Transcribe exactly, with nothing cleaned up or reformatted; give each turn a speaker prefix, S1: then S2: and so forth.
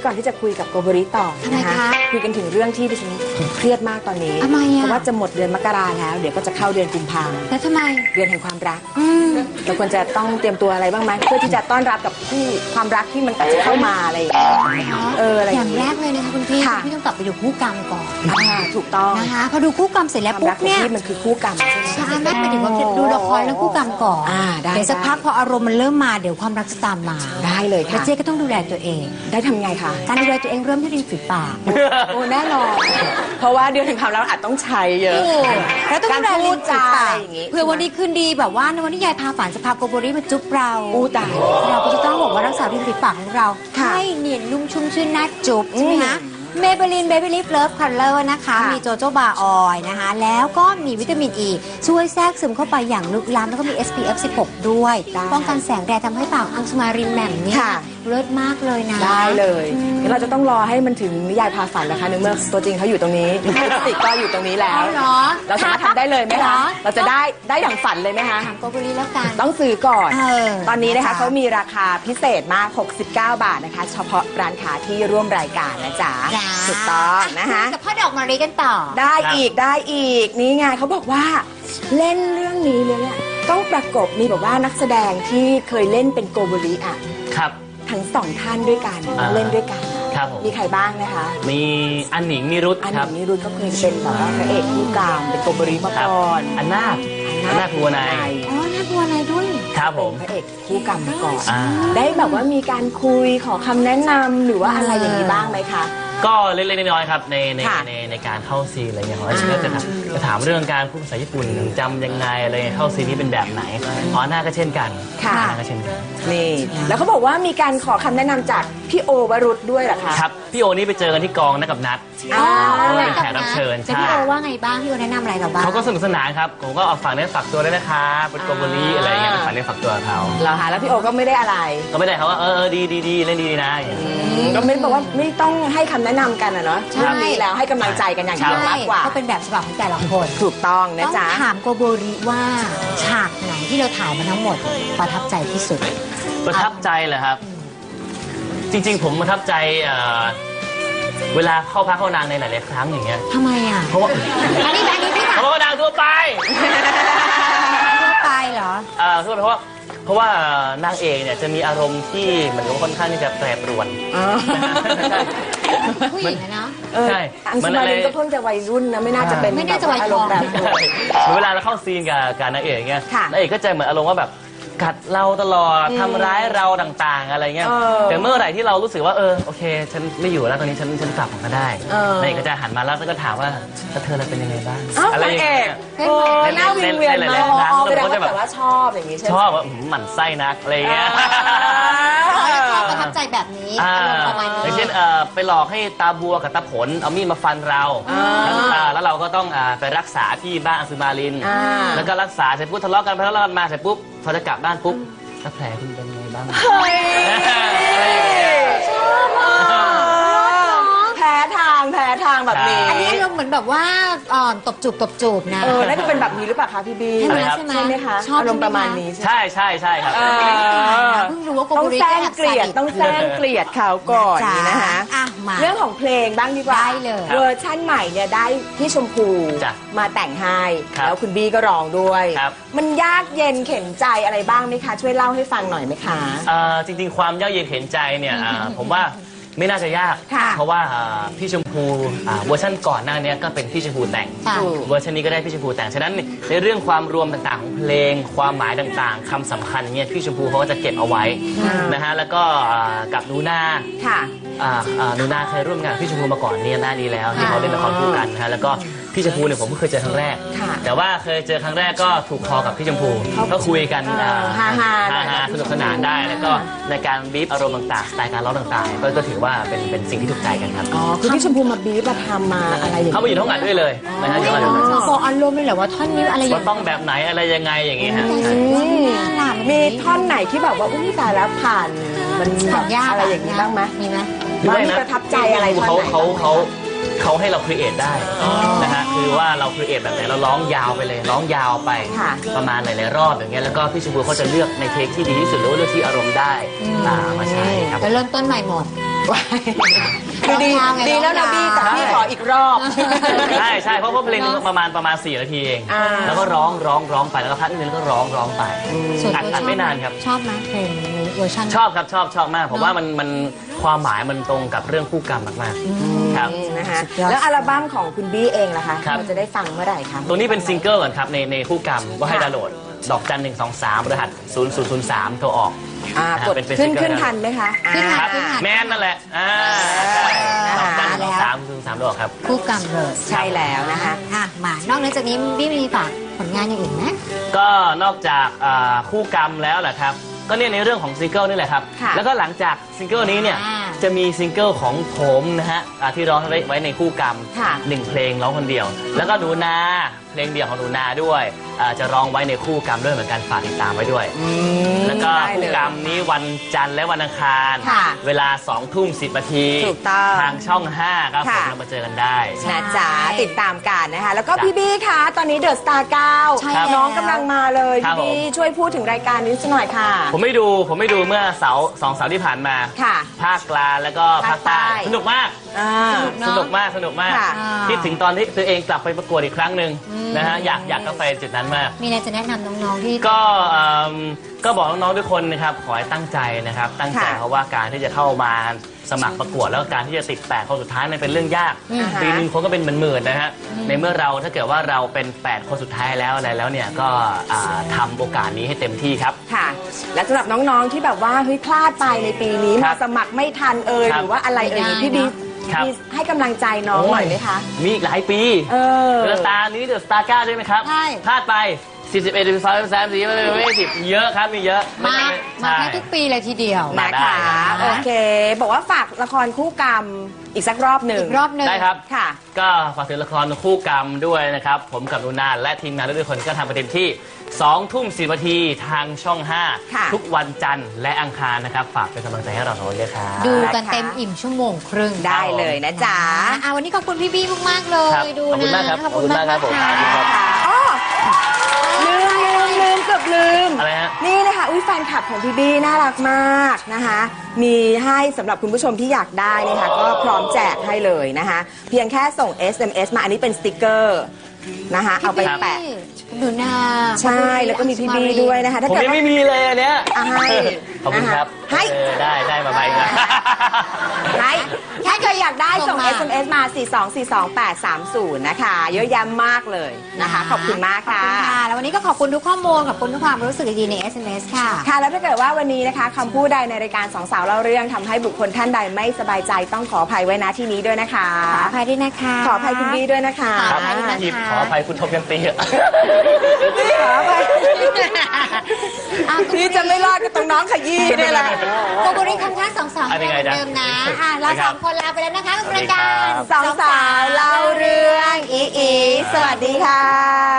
S1: ก่อนที่จะคุยกับโกโบริต่อนะคะคุยกันถึงเรื่องที่ดิฉันเครียดมากตอนนี้เพราะว่าจะหมดเดือนมกราแล้วเดี๋ยวก็จะเข้าเดือนกุมภาพันธ์
S2: แล้วทำไม
S1: เดือนแห่งความรักเราควรจะต้องเตรียมตัวอะไรบ้างไหมเพื่อที่จะต้อนรับกับคู่ความรักที่มันอาจจะเข้ามาอะไรอย่างเงี้ยเอออะไรอย่างแรกเลยนะคะคุณพี่พี่ต้องกลับไปดูคู่กรรมก่อนถูกต้องนะคะพอดูคู่กรรมเสร็จแล้วปุ๊บเนี่ยมันคือคู่กรรมใช่ไหมไม่ถึงว่าดูละครแล้วคู่กรรมก่อนเดี๋ยวสักพักพออารมณ์มันเริ่มมาเดี๋ยวความรักจะตามมาได้เลยค่ะเจ๊ก็ต้องดูแลตัวเองได้ทำไงคะการดูแลตัวเองเริ่มที่ริมฝีปากโอ้แน่นอนเพราะว่าเดือนแห่งความรักอาจต้องใช้เยอะแล้วต้องดูแลลิ้นจาอะไรอย่างงี้เพื่อวันนี้คืนดีแบบว่าในวันที่ยายพาฝันจะพาโกโบริมาจุ๊บเราอู้ตายเราก็จะต้องบอกว่ารักษาริมฝีปากของเราให้เนียนนุ่มชุ่มชื่นน่าจุ๊บใช่ไหมคะเมเบลินเบบี้ลิฟเลิฟคัลเลอร์นะคะมีโจโจบาออยนะคะแล้วก็มีวิตามินอ e, ีช่วยแทรกซึมเข้าไปอย่างลึกล้ำแล้วก็มี เอส พี เอฟ สิบหก ด้วยป้องกันแสงแดดทำให้ปากอังสมารินแหม่มเนี่ยเลิศมากเลยนะได้เลยงั้นเราจะต้องรอให้มันถึงนิยายพาฝันนะคะในเมื่อตัวจริงเขาอยู่ตรงนี้ลิปสติกก็อยู่ตรงนี้แล้วเราสามารถทำได้เลยไหมคะเราจะได้ได้ดั่งฝันเลยไหมคะถามโกโบริแล้วกันต้องซื้อก่อนตอนนี้นะคะเขามีราคาพิเศษมากหกสิบเก้าบาทนะคะเฉพาะร้านค้าที่ร่วมรายการนะจ๊ะถูกต้องนะคะกับพ่อดอกมารีกันต่อได้อีกได้อีกนี่ไงเขาบอกว่าเล่นเรื่องนี้เลยเนี่ยต้องประกบมีแบบว่านักแสดงที่เคยเล่นเป็นโกโบริอ่ะครับทั้งสองท่านด้วยกันเล่นด้วยกันครับมีใครบ้างนะคะมีอันหนิงนิรุตครับอันหนิงนิรุตก็เคยเป็นแบบว่าพระเอกคู่กลางเป็นโกโบริมาก่อนอันนาคอันนาคบัวนายอ๋อนาคบัวนายด้วยครับผมพระเอกคู่กรรมมาก่อนได้แบบว่ามีการคุยขอคำแนะนำหรือว่าอะไรอย่างนี้บ้างไหมคะก็เล็กๆน้อยๆครับในในในในการเข้าซีนอะไรเงี้ยของไอเชื่อจะถามจะถามเรื่องการพูดภาษาญี่ปุ่นจำยังไงอะไรเข้าซีนนี้เป็นแบบไหนอ๋อหน้าก็เช่นกันค่ะหน้าก็เช่นกันนี่แล้วเขาบอกว่ามีการขอคำแนะนำจากพี่โอวรุษด้วยเหรอคะครับพี่โอนี่ไปเจอกันที่กองนักกับนัดอ๋อเป็นแขกรับเชิญใช่พี่โอว่าไงบ้างพี่โอแนะนำอะไรเราบ้างเขาก็สนุกสนานครับผมก็เอาฝากเนื้อฝากตัวได้นะคะเป็นโกโบริอะไรเงี้ยฝากเนื้อฝากตัวเขาเหรอคะแล้วพี่โอก็ไม่ได้อะไรก็ไม่ได้เขาว่าเออดีดีดีเล่นดีนะก็ไม่บอกว่าไม่ต้องให้คำแนะนำกันอะเนาะใช่แล้วให้กำลังใจกันอย่างเดียวมากกว่าก็เป็นแบบฉบับของแต่ละคนถูกต้องนะจ๊ะต้องถามโกโบริว่าฉากไหนที่เราถ่ายมาทั้งหมดประทับใจที่สุดประทับใจเหรอครับจริงๆผมประทับใจเวลาเข้าพักเข้านางในหลายๆครั้งอย่างเงี้ยทำไมอ่ะเพราะว่าอันนี้แบบนี้พี่เพราะว่านางทั่วไปทั่วไปเหรออ่าทั่วไปเพราะว่าเพราะว่านางเอกเนี่ยจะมีอารมณ์ที่เหมือนกับค่อนข้างที่จะแปรปรวนผู้หญิงนะใช่อังสมารินก็เพิ่งจะวัยรุ่นนะไม่น่าจะเป็นไม่น่าจะวัยทองแบบเวลาเราเข้าซีนกับการนางเอกเงี้ยนางเอกก็จะเหมือนอารมณ์ว่าแบบกัดเราตลอดทำร้ายเราต่างๆอะไรเงี้ยแต่เมื่อไหร่ที่เรารู้สึกว่าเออโอเคฉันไม่อยู่แล้วตอนนี้ฉันฉันกลับมาได้นางเอกก็จะหันมาแล้วก็ถามว่าแล้วเธอเป็นยังไงบ้างอะไรอย่างเงี้ยหน้าวิงเวียนมากแสดงว่าแบบว่าชอบอย่างงี้ใช่ไหมชอบว่าหมั่นไส้นักอะไรเงี้ยประทับใจแบบนี้ประมาณนี้อย่างเช่นไปหลอกให้ตาบัวกับตาผลเอามีดมาฟันเราแล้วเราก็ต้องไปรักษาที่บ้านอังสุมารินแล้วก็รักษาเสร็จปุ๊บทะเลาะกันไปทะเลาะกันมาเสร็จปุ๊บพอจะกลับบ้านปุ๊บแล้วแผลคุณเป็นไงบ้างชอบแผลทางแผลทางแบบนี้อันนี้เราเหมือนแบบว่าตบจูบตบจูบนะเออน่าจะเป็นแบบนี้หรือเปล่าคะพี่บีใช่ไหมใช่ไหมคะชอบอารมณ์ประมาณนี้ใช่ใช่ใช่ครับเพิ่งรู้ว่าต้องแซงเกลียดต้องแซงเกลียดเขาก่อนนะคะเรื่องของเพลงบ้างดีกว่าเวอร์ชั่นใหม่เนี่ยได้พี่ชมพูมาแต่งให้แล้วคุณบีก็ร้องด้วยมันยากเย็นเข็นใจอะไรบ้างไหมคะช่วยเล่าให้ฟังหน่อยไหมคะจริงๆความยากเย็นเข็นใจเนี่ยผมว่าไม่น่าจะยากเพราะว่าพี่ชมพูเวอร์ชันก่อนหน้านี้ก็เป็นพี่ชมพูแต่งเวอร์ชันนี้ก็ได้พี่ชมพูแต่งฉะนั้นในเรื่องความรวมต่างๆของเพลงความหมายต่างๆคำสำคัญเนี่ยพี่ชมพูเขาก็จะเก็บเอาไว้นะฮะแล้วก็กับนูนานูนาเคยร่วมงานพี่ชมพูมาก่อนเนี่ยหน้านี้แล้วที่เขาเล่นละครคู่กันนะฮะแล้วก็พี่ชมพูเนี่ยผมก็เคยเจอครั้งแรกแต่ว่าเคยเจอครั้งแรกก็ถูกคอกับพี่ชมพูก็คุยกันฮ่าฮ่าสนุกสนานได้แล้วก็ในการบีบอารมณ์ต่างๆสไตล์การร้องต่างๆก็ถือว่าเป็นเป็นสิ่งที่ถูกใจกันครับอ๋อคือพี่ชมพูมาบีบมาทำมาอะไรอย่างเงี้ยเขาไปอยู่ท้องอัดด้วยเลยนะฮะบอกอารมณ์เลยเหรอว่าท่อนนี้อะไรว่าต้องแบบไหนอะไรยังไงอย่างเงี้ยฮะมีท่อนไหนที่แบบว่าอุ้ยตายแล้วผ่านมันแบบอะไรอย่างนี้บ้างไหมมีไหมมีประทับใจอะไรเขาเขาเขาเขาให้เราครีเอทได้นะฮะ
S2: คือว่าเราครีเอทแบบไหนเราร้องยาวไปเลยร้องยาวไป
S1: ค่ะ
S2: ประมาณหลายๆรอบอย่างเงี้ยแล้วก็พี่ชมพูเขาจะเลือกในเทคที่ดีที่สุดหรือว่าเลือกที่อารมณ์ได้อ่ามาใช้ครับ
S3: แล้วเริ่มต้นใหม่หมด
S1: คือดี
S3: ร้องยาวไง
S1: ดีแล้วนะ
S3: ร้องยาว
S1: บี้แต่พี่ขออีกรอบ
S2: ใช่ใช่เพราะว่าเพลงนึงประมาณประมาณสี่นาทีเอง
S1: อ่า
S2: แล้วก็ร้องร้องร้องไปแล้วก็พักนิดนึงแล้วก็ร้องร้องไป
S3: ส่วน
S2: อัด
S3: ตัว
S2: อั
S3: ช
S2: ด
S3: อบ
S2: ไม่นานครับ
S3: ชอบไหมเพลงเวอร์ชัน
S2: ชอบครับชอบชอบมากผมว่ามันมันความหมายมันตรงกับเรื่องคู่กรรมมากๆครับ
S1: นะคะ
S3: สุดยอด
S1: แล้วอัลบั้มของคุณบี้เองล่ะคะ
S2: ครับ
S1: เราจะได้ฟังเมื่อไหร่คะ
S2: ตัวนี้เป็นซิงเกิลก่อนครับในในคู่กรรมว่าให้
S1: ค่ะ
S2: ดาวน์โหลดดอกจันหนึ่งสองสามรหัสศูนย์ศูนย์ศูนย์สามโทรออก
S1: อ่า
S2: นะฮะ
S1: กด
S2: เป็นเป็น
S1: ขึ้น
S2: ซิงเกิล
S1: ขึ้นทันไหมคะ
S3: ขึ้นทัน
S2: ครับ
S1: อ่า
S2: แมนนั่นแหละอ่าใช่ดอกจันหนึ่งสองสามศูนย์สามโทรออกครับ
S3: คู่กรรมเลย
S1: ใช่แล้วนะคะ
S3: อ่ะมานอกเหนือจากนี้พี่มีฝากผลงานอย่างอื่นไหม
S2: ก็นอกจากอ่าคู่กรรมแล้วแหละครับก็เนี่ยในเรื่องของซิงเกิลนี่แหละครับ
S1: ค่ะ
S2: แล้วก็หลังจากซิงเกิลนี้เนี่ย
S3: อ่า
S2: จะมีซิงเกิลของผมนะฮะอ่าที่ร้องไว้ในคู่กรรม
S1: ค่ะ
S2: หนึ่งเพลงร้องคนเดียว แล้วก็หนูนาเพลงเดี่ยวของหนูนาด้วยอ่าจะร้องไว้ในคู่กรรมด้วยเหมือนกันฝากติดตามไว้ด้วย
S1: อืม
S2: แล้วก็
S1: ได้
S2: คู่
S1: เลย
S2: กรรมนี้วันจันทร์และวันอังคาร
S1: ค่ะ
S2: เวลาสองทุ่มสิบนาที
S1: ถูกต้อง
S2: ทางช่องห้าครับผม
S1: ค่ะ
S2: เรามาเจอกันได้
S1: นะจ๊ะติดตามกันนะคะ แล้วก็
S2: จ้ะ
S1: พี่บี้คะตอนนี้เดอะสตาร์เก้า
S3: ใช่แล้ว
S1: น้องกำลังมาเลย
S2: ครั
S1: พี่
S2: บผม
S1: บี้ช่วยพูดถึงรายการนี้สักหน่อยค่ะ
S2: ผมไม่ดูผมไม่ดูเมื่อเสาร์สองเสาร์ที่ผ่านมา
S1: ค่ะ
S2: ภาคกลางแล้วก็ภาคใต้
S1: ภาคใต้
S2: สนุกมาก
S1: อ่า
S2: สนุกมากสนุกมาก
S1: ค่ะ
S2: คิดถึงตอนที่ตัวเองกลับไปประกวดอีกครั้งหนึ่งนะฮะอยากอยากก็ไปจุดนั้นมาก
S3: มีอะไรจะแนะนำน้องๆที่
S2: ก็เอิ่มก็บอกน้องๆทุกคนนะครับขอให้ตั้งใจนะครับ ตั้งใจ
S1: ค่ะ
S2: เพราะว่าการที่จะเข้ามาสมัครประกวดแล้วก็การที่จะติดแปดคนสุดท้ายมันเป็นเรื่องยาก
S1: อือฮะ
S2: ปีหนึงคนก็เป็นหมื่นๆนะฮะในเมื่อเราถ้าเกิดว่าเราเป็นแปดคนสุดท้ายแล้วอะไรแล้วเนี่ยก็อ่าทำโอกาสนี้ให้เต็มที่ครับ
S1: ค่ะ และสำหรับน้องๆที่แบบว่าเฮ้ยพลาดไปในปีนี้
S2: ครั
S1: มา
S2: บ
S1: สมัครไม่ทันเอ่ย
S2: ครั
S1: ห
S2: บ
S1: รือว่าอะไรเอ่ย
S3: ไม่ได้
S1: พี่บี
S2: ครับ
S1: มีให้กำลังใจน้องหน่อยไหมคะ
S2: มีอีกหลายปี
S1: เออ
S2: เดอะสตาร์นี้เดอะสตาร์เก้าด้วยไหมครับ
S3: ใช่
S2: พลาดไปสี่สิบเอ็ดสิบสองสิบสามสี่ไม่ไม่สิบเยอะครับมีเยอะ
S3: มา
S2: ไใช่
S3: มาแค่ทุกปีเลยทีเดียว
S2: มา
S1: นะ
S2: ได้
S1: คะ
S2: ครับ
S1: โอเค บอกว่าฝากละครคู่กรรมอีกสักรอบหนึ่ง
S3: อีกรอบหนึ่ง
S2: ได้ครับ
S1: ค่ะ
S2: ก็ฝากถึงละครคู่กรรมด้วยนะครับ ผมกับนูนาและทีมงานทุกคนก็ทำประเด็นที่สองทุ่มสิบนาทีทางช่องห้า
S1: ค่ะ
S2: ทุกวันจันทร์และอังคารนะครับ ฝากเป็นกำลังใจให้เราสองคนด้วยครับ
S3: ดูกันเต็มอิ่มชั่วโมงครึ่ง
S1: ได้เลยนะจ๊ะ
S3: อ่ะวันนี้ขอบคุณพี่บี้มากๆเล
S2: ครับ
S3: ยดู
S2: ขอบคุณ
S3: นะ
S2: มากครับ
S3: ขอบคุณมาก
S2: ขอบคุณมากครับผม
S3: ค่ะ
S2: ครับ
S1: อ๋อลืมลืมลืมเกือบลืม
S2: อะไรฮะ
S1: นี่นะคะอุ้ยแฟนคลับของพี่บี้น่ารักมากนะคะ มีให้สำหรับคุณผู้ชมที่อยากได้นะคะก็พร้อมแจกให้เลยนะคะ เพียงแค่ส่ง เอส เอ็ม เอส มาอันนี้เป็นสติกเกอร์นะคะเอาไปแปะ
S3: หนูนา
S1: ใช่แล้วก็มีพี่บี้ด้วยนะคะถ้า
S2: ผม
S1: เกิด
S2: ยัง
S1: ว่า
S2: ไม่มีเลยอันเนี้ย
S1: อ่ะให้
S2: ขอบคุณครับ
S1: ให้
S2: เออได้ได้มาใบนะ
S1: ไหนถ้าใครอยากได้ส่ง เอส เอ็ม เอส มา สี่ สอง สี่ สอง แปด สาม ศูนย์ นะคะ เยอะแยะมากเลยนะคะ ขอบคุณมาก
S3: ขอบ
S1: ค่ะ
S3: คุณค่ะ แล้ววันนี้ก็ขอบคุณทุกข้อมูลขอบคุณทุกความรู้สึกดีๆใน เอส เอ็ม เอส ค่ะ
S1: ค่ะ แล้วถ้าเกิดว่าวันนี้นะคะคำพูดใดในรายการสองสาวเล่าเรื่องทำให้บุคคลท่านใดไม่สบายใจต้องขออภัยไว้ณที่นี้ด้วยนะคะ
S3: ขออภัยด้วยนะคะ
S1: ขออภัยคุณบี้ด้วยนะคะ
S3: ข
S2: ค
S3: อ
S2: รั
S3: อบ ภัยด้วยนะคะ
S2: หยิบขออภัยคุณทบยันตีอะ
S1: ขออภัย
S3: อ่ะ
S1: พี่จะไม่รอดกับตรงน้องขยี้เนี่ยแหละ
S3: โกโกริคำท่าสองสอง
S2: อันนี้ไง
S3: เหมือน
S2: จ๊ะ
S3: เดิมนะอ่ะเราสองคนลาไปแล้วนะคะกับรายการ
S2: สวัสดีครับ
S1: สองสาวเล่าเรื่องอีอีสวัสดีค่ะ